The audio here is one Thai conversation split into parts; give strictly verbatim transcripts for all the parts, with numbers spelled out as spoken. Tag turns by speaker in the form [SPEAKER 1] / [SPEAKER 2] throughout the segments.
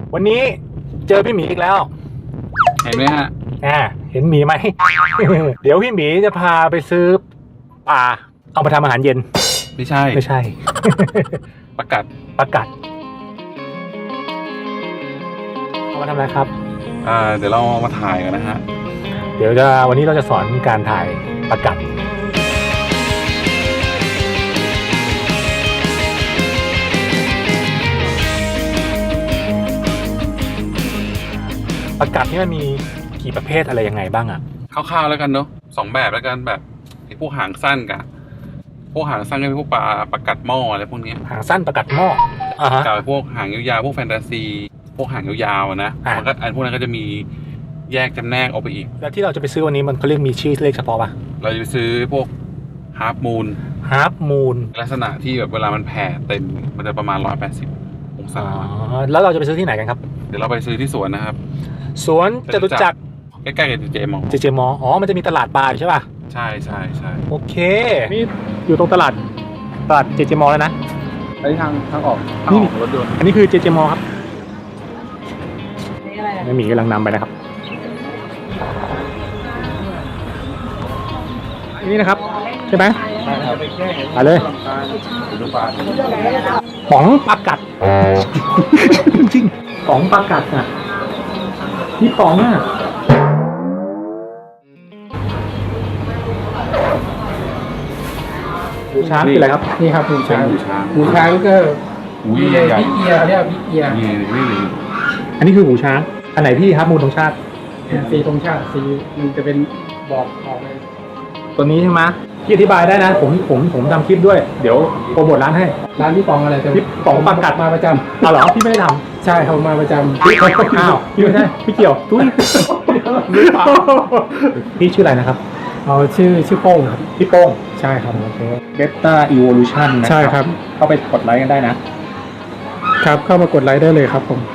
[SPEAKER 1] วันนี้เจอพี่หมีอีกแล้ว
[SPEAKER 2] เห็นไหมฮะ
[SPEAKER 1] อ่าเห็นหมีไหม เดี๋ยวพี่หมีจะพาไปซื้อปลาเอามาทำอาหารเย็น
[SPEAKER 2] ไม่ใช่
[SPEAKER 1] ไม่ใช่
[SPEAKER 2] ประกัด
[SPEAKER 1] ประกัดเอามาทำอะไรครับ
[SPEAKER 2] อ่าเดี๋ยวเรามาถ่ายกันนะฮะ
[SPEAKER 1] เดี๋ยวจะวันนี้เราจะสอนการถ่ายประกัดประกัดนี่มันมีกี่ประเภทอะไรยังไงบ้างอ่ะ
[SPEAKER 2] คร่าวๆแล้วกันเนาะสองแบบแล้วกันแบบไอ้พวกหางสั้นกับพวกหางสั้นก็เป็นพวกปลาประกัดหม้ออะไรพวกนี้
[SPEAKER 1] หางสั้นประกัดหม้ออ่าฮะ
[SPEAKER 2] กับพวกหางยาวๆพวกแฟนตาซีพวกหางยาวๆนะมันก็อันพวกนั้นก็จะมีแยกจำแนกออกไปอีก
[SPEAKER 1] แล้วที่เราจะไปซื้อวันนี้มันเขาเรียกมีชื่อเลขเฉพาะป่ะ
[SPEAKER 2] เราจะไปซื้อพวกฮาร์ปมูน
[SPEAKER 1] ฮาร์ปมูน
[SPEAKER 2] ลักษณะที่แบบเวลามันแผ่เต็มมันจะประมาณร้อยแปดสิบองศา
[SPEAKER 1] แล้วเราจะไปซื้อที่ไหนกันครับ
[SPEAKER 2] เดี๋ยวเราไปซื้อที่สวนนะครับ
[SPEAKER 1] สวนจตุจักร
[SPEAKER 2] ใกล้ๆกับเจมอ
[SPEAKER 1] เจเจมออ๋อมันจะมีตลาดปลาใช่ป่ะ
[SPEAKER 2] ใช่ใช่ใช่
[SPEAKER 1] โอเคนี่อยู่ตรงตลาดตลาดเจเจมอแล้วนะ
[SPEAKER 2] อันนี้ทางทางออกทางออกรถยนต์
[SPEAKER 1] อันนี้คือเจเจมอครับนี่อะไรไม่มีกำลังนำไปนะครับนี่นะครับใช่ไหม
[SPEAKER 2] ใช่ครับ
[SPEAKER 1] ไปเลยป๋องปลากัดจริงๆป๋องปลากัดอ่ะนี่ป๋องอ่ะหูช้างคืออะไรครับ
[SPEAKER 3] นี่ครับหูช้าง
[SPEAKER 2] หูช้าง
[SPEAKER 3] หูช้างก็
[SPEAKER 2] หู
[SPEAKER 3] ใหญ่พิเอียเรียกพิเอีย
[SPEAKER 2] นี่นี่เลย
[SPEAKER 1] อันนี้คือหูช้างอันไหนพี่ครับมูลธงชาติ
[SPEAKER 3] สีธงชาติสีมันจะเป็นบอกออกเลย
[SPEAKER 1] ตัวนี้ใช่ไหมพี่อธิบายได้นะผมผมผมทำคลิปด้วยเดี๋ยวโปรโมทร้านให้
[SPEAKER 3] ร้านพี่ปองอะไร
[SPEAKER 1] พี่ปองปลากัด
[SPEAKER 3] มาประจำ
[SPEAKER 1] เอาเหรอพี่ไม่ได้ท
[SPEAKER 3] ำใช่เขามาประจำ
[SPEAKER 1] พี่อ้าวพี่ไม่ใช่พี่เกี่ยวตุ้ยพี่ชื่ออะไรนะครับ
[SPEAKER 3] เอาชื่อชื่อโป้งครับ
[SPEAKER 1] พี่โป้ง
[SPEAKER 3] ใช่ครับ
[SPEAKER 1] โอเคเบต้าอีโวลูชั่น
[SPEAKER 3] ใช่ครับ
[SPEAKER 1] เข้าไปกดไลค์กันได้นะครับ
[SPEAKER 3] เข้ามากดไลค์ได้เลยครับผม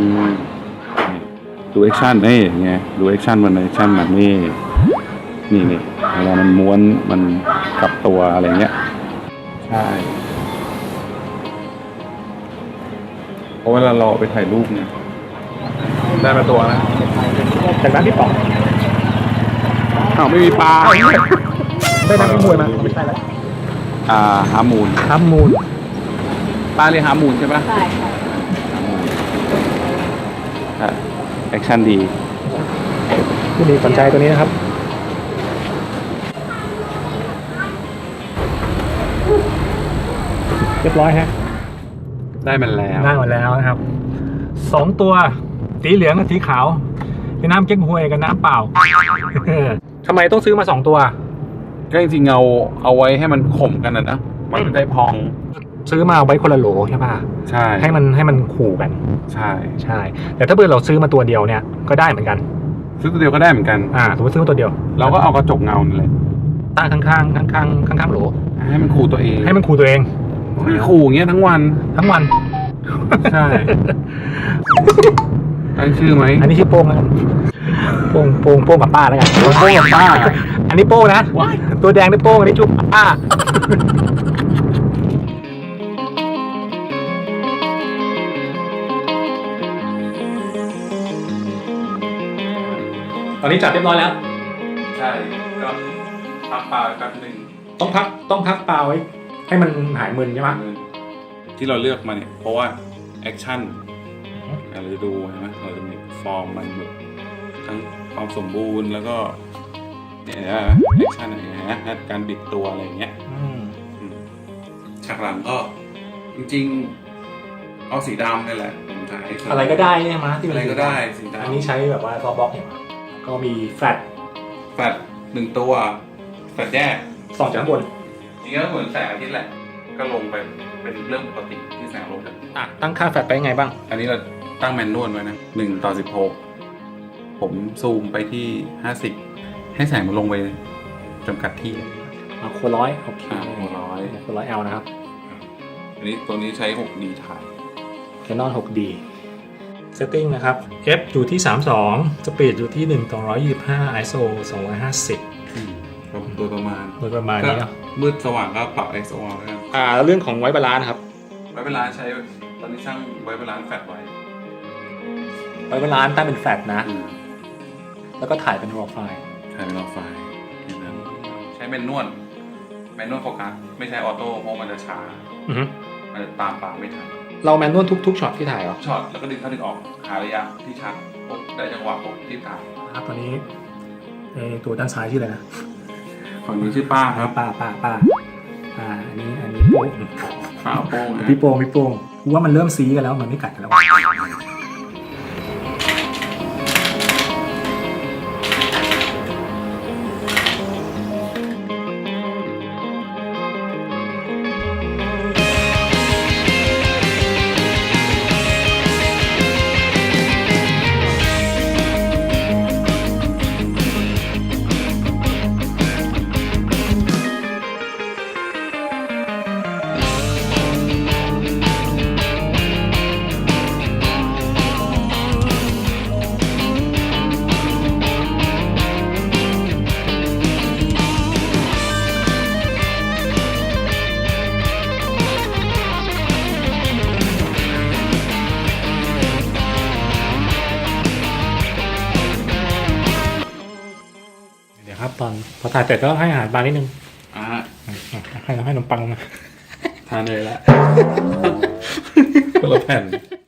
[SPEAKER 2] ดูแอคชั่นนี่ไงดูแอคชั่นมันแอคชั่นแบบนี้นี่นี่เวลามันม้วนมันกลับตัวอะไรเงี้ยใช่เพราะเวลาเราไปถ่ายรูปเนี่ยได้มาตัวนะ
[SPEAKER 1] จากร้านพี่ป๋อง
[SPEAKER 2] อ้าวไม่มีปลา
[SPEAKER 1] ได้นักมวยมาไม่ใช่แล้ว
[SPEAKER 2] อ่าฮามูน
[SPEAKER 1] ฮามูน
[SPEAKER 2] ปลาเรียกฮามูนใช่ปะ
[SPEAKER 4] ใช่
[SPEAKER 2] ค่ะแอคชั่นดี
[SPEAKER 1] ที่นี่สนใจตัวนี้นะครับเรียบร้อยฮะ
[SPEAKER 2] ได้มันแล้ว
[SPEAKER 1] ได้หมดแล้วนะครับสองตัวสีเหลืองกับสีขาวเป็นน้ำเก๊กฮวยกับน้ำเปล่าทำไมต้องซื้อมาสองตัว
[SPEAKER 2] ก็จริงๆเอาเอาไว้ให้มันข่มกันนะนะมันจะได้พอง
[SPEAKER 1] ซื้อมาไว้คนละโหลใช่ป่ะ
[SPEAKER 2] ใช่
[SPEAKER 1] ให้มันให้มันขู่กัน
[SPEAKER 2] ใช่
[SPEAKER 1] ใช่แต่ถ้าเกิดเราซื้อมาตัวเดียวเนี่ยก็ได้เหมือนกัน
[SPEAKER 2] ซื้อตัวเดียวก็ได้เหมือนกัน
[SPEAKER 1] อ่าสมมติซื้อมาตัวเดียว
[SPEAKER 2] เราก็เอากระจกเงาเลย
[SPEAKER 1] ตั้งข้างข้างข้างข้างข้างข้างโหล
[SPEAKER 2] ให้มันขู่ตัวเอง
[SPEAKER 1] ให้มันขู่ตัวเอง
[SPEAKER 2] ให้ขู่อย่างเงี้ยทั้งวัน
[SPEAKER 1] ทั้งวัน
[SPEAKER 2] ใช่ตั้งชื่อไหม
[SPEAKER 1] อันนี้ชื่อโป้งแล้วกันโป้งโป้งโป้งกับป้าแล้วกัน
[SPEAKER 2] โป้งกับป้า
[SPEAKER 1] อันนี้โป้งนะตัวแดงนี่โป้งอันนี้จุ๊บป้าตอนนี้จับเรียบร้อยแล้ว
[SPEAKER 2] ใช่ก็พักปลาแป๊บนึง
[SPEAKER 1] ต้องพักต้องพักปลาไว้ให้มันหายมึนใช่ไหม
[SPEAKER 2] ที่เราเลือกมาเนี่ยเพราะว่าแอคชั่นเราจะดูใช่ไหมเราจะมีฟอร์มมันแบบทั้งความสมบูรณ์แล้วก็เนี่ยนะแอคชั่นอะไรนะการบิดตัวอะไรอย่างเงี้ยฉากหลังก็จริงๆเอาสีดำนี่แหละผมถ่าย
[SPEAKER 1] อะไรก็ได้ใช่ไหมที่
[SPEAKER 2] อะไรก็ได้สีดำ
[SPEAKER 1] อันนี้ใช้แบบว่าซอฟต์บล็อกเนี่ยก็มีแฟลช
[SPEAKER 2] แฟลชหนึ่งตัวแฟลชแยก
[SPEAKER 1] ส่องจากข้างบน
[SPEAKER 2] จริงๆก็เหมือนแสงอาทิตย์แหละก็ลงไปเป็นเรื่องปกติที่แสงลงจาก
[SPEAKER 1] อ่ะตั้งค่าแฟลชไปยังไงบ้าง
[SPEAKER 2] อันนี้เราตั้งแมนนวลไว้นะหนึ่งต่อสิบหกผมซูมไปที่ห้าสิบให้แสงมันลงไปจำกัดที่
[SPEAKER 1] อ่ะโคร้อยโอเค
[SPEAKER 2] โคร้อย
[SPEAKER 1] โคร้อย L นะครับ
[SPEAKER 2] อันนี้ตัวนี้ใช้ หกดี ถ่าย
[SPEAKER 1] Canon หกดี setting นะครับ f อยู่ที่สามสิบสอง speed อยู่ที่หนึ่งต่อหนึ่งร้อยยี่สิบห้า ไอ เอส โอ สองร้อยห้าสิบ
[SPEAKER 2] โดยประมาณ
[SPEAKER 1] โดยประมาณนี้เนาะ
[SPEAKER 2] มืดสว่างก็ปรับ ไอ เอส โอ แล้วกัน
[SPEAKER 1] อ่าเรื่องของไว้บาลานซ์ครับ
[SPEAKER 2] ไว้บาลานซ์ใช้ตอนนี้ช่างไว้บาลานซ์แฟลชไว้
[SPEAKER 1] ไว้เวลาตั้งเป็นแฟลชนะ
[SPEAKER 2] อืม
[SPEAKER 1] แล้วก็ถ่ายเป็น raw file
[SPEAKER 2] ถ่ายเป็นรอไฟล์แค่นั้นใช้แมนนวลแมนนวลโฟกัสไม่ใช้ออโต้เพราะมันจะช้า
[SPEAKER 1] อือฮึ
[SPEAKER 2] มันจะตามปากไม่ทัน
[SPEAKER 1] เราแมนนวลทุกๆช็อตที่ถ่ายเหรอ
[SPEAKER 2] ช็อตแล้วก็ดึงเข้าดึงออกหาระยะที่ชัดปุ๊บได้จังหวะปุ๊บรีบถ่าย
[SPEAKER 1] ครับตอนนี้เออตัวด้านซ้ายชื่ออะไรนะ
[SPEAKER 2] ฝั่งนี้ชื่อป้าครับ
[SPEAKER 1] ป้าป้าป้าอ่าอันนี้อันนี้โป้ง
[SPEAKER 2] ป้าโป้งนะ
[SPEAKER 1] พี่โป้งพี่โป้งกูว่ามันเริ่มซีกันแล้วมันไม่กัดกันแล้ว เดี๋ยวครับตอนพอถ่ายเสร็จก็ให้อาหารปลานิดนึง
[SPEAKER 2] อ่า
[SPEAKER 1] อ่ะให้ให้ขนมปังมา
[SPEAKER 2] ทานเลยละ คนละแผ่น